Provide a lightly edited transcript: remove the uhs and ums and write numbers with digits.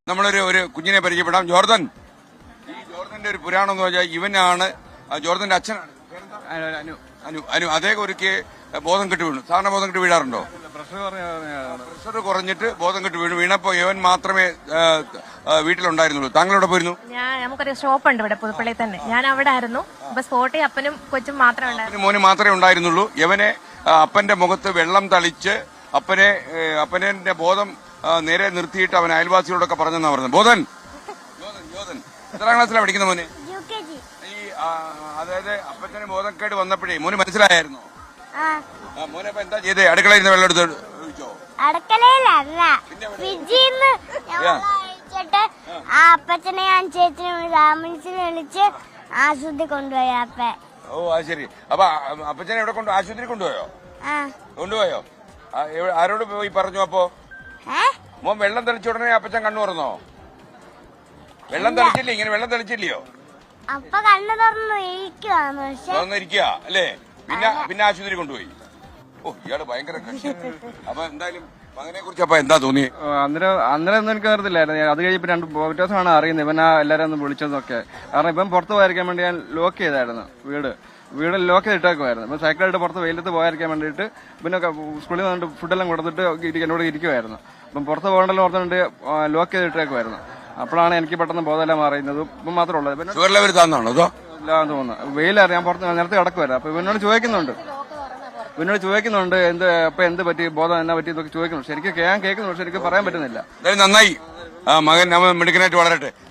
നമ്മളൊരു ഒരു കുഞ്ഞിനെ പരിചയപ്പെടാം. ജോർദൻ. ഈ ജോർദന്റെ ഒരു പുരാണം എന്ന് വെച്ചാൽ ഇവനാണ് ജോർദന്റെ അച്ഛനാണ്. അനു. അനു. അനു അദ്ദേഹം ഒരിക്കൽ ബോധം കെട്ട് വീണു. സാധാരണ ബോധം കെട്ട് വീഴാറുണ്ടോ? പ്രഷർ കുറഞ്ഞിട്ട് ബോധം കെട്ട് വീണപ്പോ ഇവൻ മാത്രമേ വീട്ടിലുണ്ടായിരുന്നുള്ളൂ. താങ്കളെവിടെ പോയിരുന്നു? നമുക്കൊരു ഷോപ്പ് ഉണ്ട് ഇവിടെ പുതുപ്പള്ളി തന്നെ. ഞാൻ അവിടെ ആയിരുന്നു. അപ്പൊ സ്പോട്ടിൽ അപ്പനും കൊച്ചും മാത്രമേ ഉണ്ടായിരുന്നു. മോന് മാത്രമേ ഉണ്ടായിരുന്നുള്ളൂ. ഇവനെ അപ്പന്റെ മുഖത്ത് വെള്ളം തളിച്ച് അപ്പനെ ബോധം നേരെ നിർത്തിയിട്ട് അവൻ അയൽവാസികളോടൊക്കെ പറഞ്ഞെന്നാ പറഞ്ഞത്. ബോധൻ എത്രാം ക്ലാസ്സിലാണ് പഠിക്കുന്ന മോന്? ഈ അതായത് അപ്പച്ചന് ബോധക്കേട് വന്നപ്പോഴേ മോന് മനസ്സിലായിരുന്നു. മോനെ അപ്പൊ എന്താ ചെയ്തേ? അടുക്കളയിൽ നിന്ന് വെള്ളം എടുത്ത് ഒഴിച്ചോ? അടുക്കളയിലല്ല, ഫ്രിഡ്ജിന്ന് അഴിച്ചിട്ട് ആ അപ്പച്ചനെ ഞാൻ ചേച്ചിനെ രാമൻസിനെ വിളിച്ച് ആശുപത്രി കൊണ്ടുപോയി അപ്പ. ഓ അത് ശരി. അപ്പൊ അപ്പച്ചനെ എവിടെ ആശുപത്രി കൊണ്ടുപോയോ? കൊണ്ടുപോയോ? ആരോട് പോയി പറഞ്ഞു? അപ്പോ മോൻ വെള്ളം തെളിച്ച ഉടനെ അപ്പച്ചൻ കണ്ണു തുറന്നോ? വെള്ളം തെളിച്ചില്ലേ? ഇങ്ങനെ വെള്ളം തെളിച്ചില്ലയോ? അപ്പൊ കണ്ണു തുറന്നിരിക്കുക അല്ലേ? പിന്നെ ആശുപത്രി കൊണ്ടുപോയി. ഓ ഇയാള് ഭയങ്കര കക്ഷി. അപ്പൊ എന്തായാലും മകനെ കുറിച്ച് അപ്പൊ എന്താ തോന്നി? അന്നേരം ഒന്നും എനിക്ക് അറിയത്തില്ലായിരുന്നു. അത് കഴിഞ്ഞ് ഇപ്പൊ 2 ദിവസമാണ് അറിയുന്നത് ഇവൻ എല്ലാരും ഒന്ന് വിളിച്ചതൊക്കെ. കാരണം ഇപ്പം പുറത്ത് പോയിരിക്കാൻ വേണ്ടി ഞാൻ ലോക്ക് ചെയ്തായിരുന്നു. വീട് ലോക്ക് ചെയ്തിട്ടേക്കുമായിരുന്നു. ഇപ്പൊ സൈക്കിളായിട്ട് പുറത്ത് വെയിലത്ത് പോയിരിക്കാൻ വേണ്ടിയിട്ട് പിന്നെ സ്കൂളിൽ നിന്നിട്ട് ഫുഡെല്ലാം കൊടുത്തിട്ട് എന്നോട് ഇരിക്കുമായിരുന്നു. അപ്പം പുറത്ത് പോകണ്ടല്ലോ ഓർത്തുകൊണ്ട് ലോക്ക് ചെയ്തിട്ടേക്കുമായിരുന്നു. അപ്പോഴാണ് എനിക്ക് പെട്ടെന്ന് ബോധമെല്ലാം മാറിയുന്നത്. ഇപ്പം മാത്രമേ ഉള്ളത്. ഇല്ലാന്ന് തോന്നുന്നു. വെയിലറിയാൻ പുറത്ത് നേരത്തെ കിടക്കുമായിരുന്നു. അപ്പൊ ഇവനോട് ചോദിക്കുന്നുണ്ട് എന്ത് പറ്റി, ബോധം എന്നാ പറ്റി എന്നൊക്കെ ചോദിക്കുന്നു. ശരിക്കും ഞാൻ കേൾക്കുന്നു, പക്ഷെ എനിക്ക് പറയാൻ പറ്റുന്നില്ല. നന്നായി. മകൻ മിടുക്കനായിട്ട് വളരട്ടെ.